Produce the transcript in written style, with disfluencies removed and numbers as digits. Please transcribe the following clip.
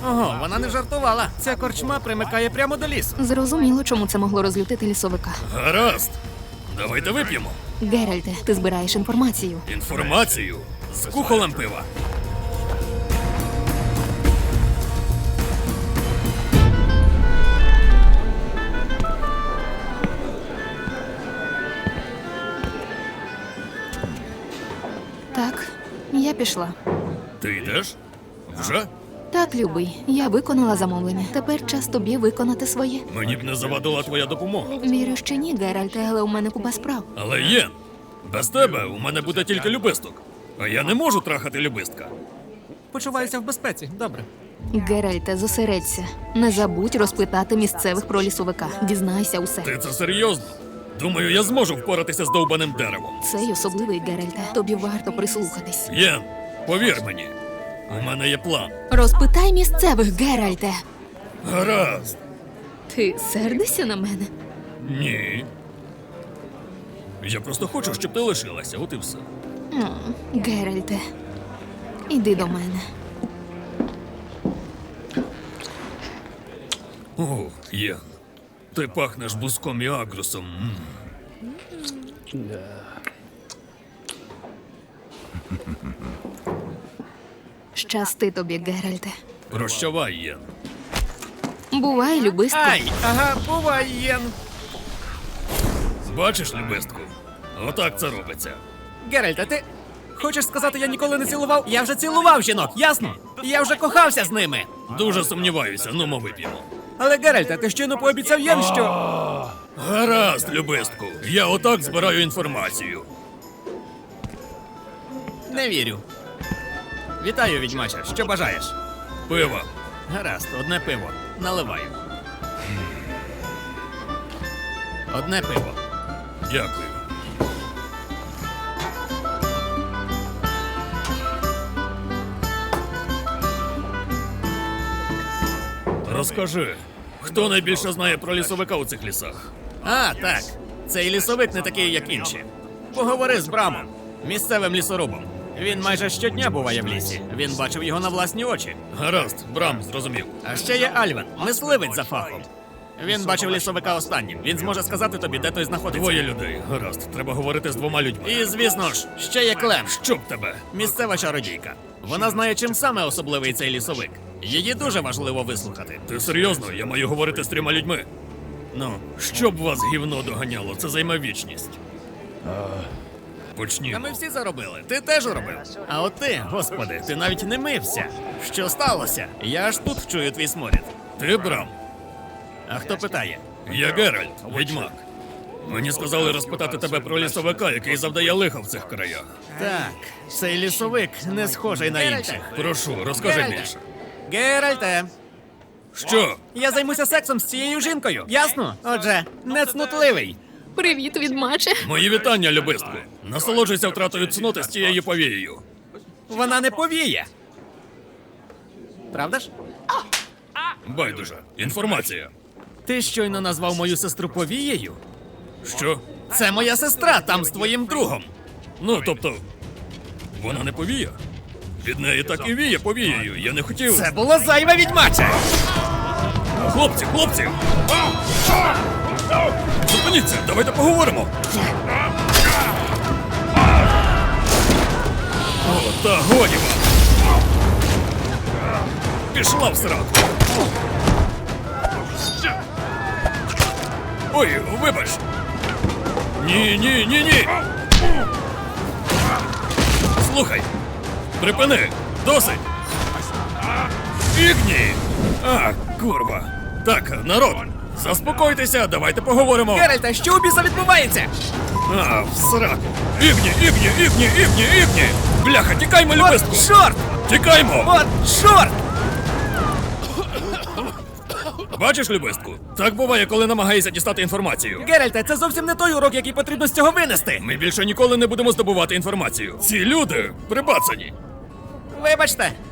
Ого, вона не жартувала. Ця корчма примикає прямо до лісу. Зрозуміло, чому це могло розлютити лісовика. Гаразд. Давайте вип'ємо. Геральте, ти збираєш інформацію. Інформацію з кухолем пива. Так, я пішла. Ти йдеш? Вже? Так, любий, я виконала замовлення. Тепер час тобі виконати своє. Мені б не завадила твоя допомога. Вірю, що ні, Геральте, але у мене купа справ. Але Єн, без тебе у мене буде тільки любисток. А я не можу трахати любистка. Почуваюся в безпеці. Добре. Геральте, зосередься. Не забудь розпитати місцевих про лісовика. Дізнайся усе. Ти це серйозно? Думаю, я зможу впоратися з довбаним деревом. Цей особливий, Геральте. Тобі варто прислухатись. Єн, повір мені, у мене є план. Розпитай місцевих, Геральте. Гаразд. Ти сердишся на мене? Ні. Я просто хочу, щоб ти лишилася, от і все. Геральте, іди до мене. О, Єн, ти пахнеш буском і агрусом. Щасти тобі, Геральте. Прощавай, Єн. Бувай, любистко. Ай, ага, бувай, Єн. Бачиш, любистку? Отак це робиться. Геральте, ти хочеш сказати, я ніколи не цілував? Я вже цілував жінок, ясно? Я вже кохався з ними. Дуже сумніваюся, ну ми вип'ємо. Але, Геральте, ти щойно пообіцяв Єн, що... Гаразд, любистку. Я отак збираю інформацію. Не вірю. Вітаю, відьмаче. Що бажаєш? Пива. Гаразд, одне пиво. Наливаю. Одне пиво. Дякую. Розкажи, хто найбільше знає про лісовика у цих лісах? А, так. Цей лісовик не такий, як інші. Поговори з Брамом, місцевим лісорубом. Він майже щодня буває в лісі. Він бачив його на власні очі. Гаразд, Брам, зрозумів. А ще є Альвен, мисливець за фахом. Він бачив лісовика останнім. Він зможе сказати тобі, де той знаходиться. Двоє людей. Гаразд, треба говорити з двома людьми. І, звісно ж, ще є Клем, Щоб тебе. місцева чародійка. Вона знає, чим саме особливий цей лісовик. Її дуже важливо вислухати. Ти серйозно? Я маю говорити з трьома людьми. Ну, Щоб вас гівно доганяло, це займе вічність. та Почнімо. ми всі заробили. Ти теж робив. А от ти, господи, ти навіть не мився. Що сталося? Я аж тут чую твій сморід. Ти, Брам? А хто питає? Я Геральт, відьмак. Мені сказали розпитати тебе про лісовика, який завдає лиха в цих краях. Так, цей лісовик не схожий на інших. Прошу, розкажи Геральте. більше. Геральте, Що? я займуся сексом з цією жінкою. Ясно? Отже, не цнутливий. Привіт, відмаче. Мої вітання, любистку. Насолоджуйся втратою цноти з цією повією. Вона не повіє. Правда ж? Байдуже. Інформація. Ти щойно назвав мою сестру повією? Що? Це моя сестра, там з твоїм другом. Ну, тобто, вона не повія? Від неї так і віє повією. Я не хотів. Це було зайве, відьмаче! Хлопці, хлопці! Зупиніться, давайте поговоримо. О, та годі вам! Пішла в сраку. Ой, вибач. Ні. Слухай, припини, досить. Ігні! А, курва. Так, народ, заспокойтеся, давайте поговоримо. Геральте, що у біса відбувається? А, в сраку. Ігні! Бляха, тікаймо, любистку! От чорт! Тікаймо! От чорт! Бачиш, любистку? Так буває, коли намагаєшся дістати інформацію. Геральте, це зовсім не той урок, який потрібно з цього винести. Ми більше ніколи не будемо здобувати інформацію. Ці люди прибацані. Вибачте,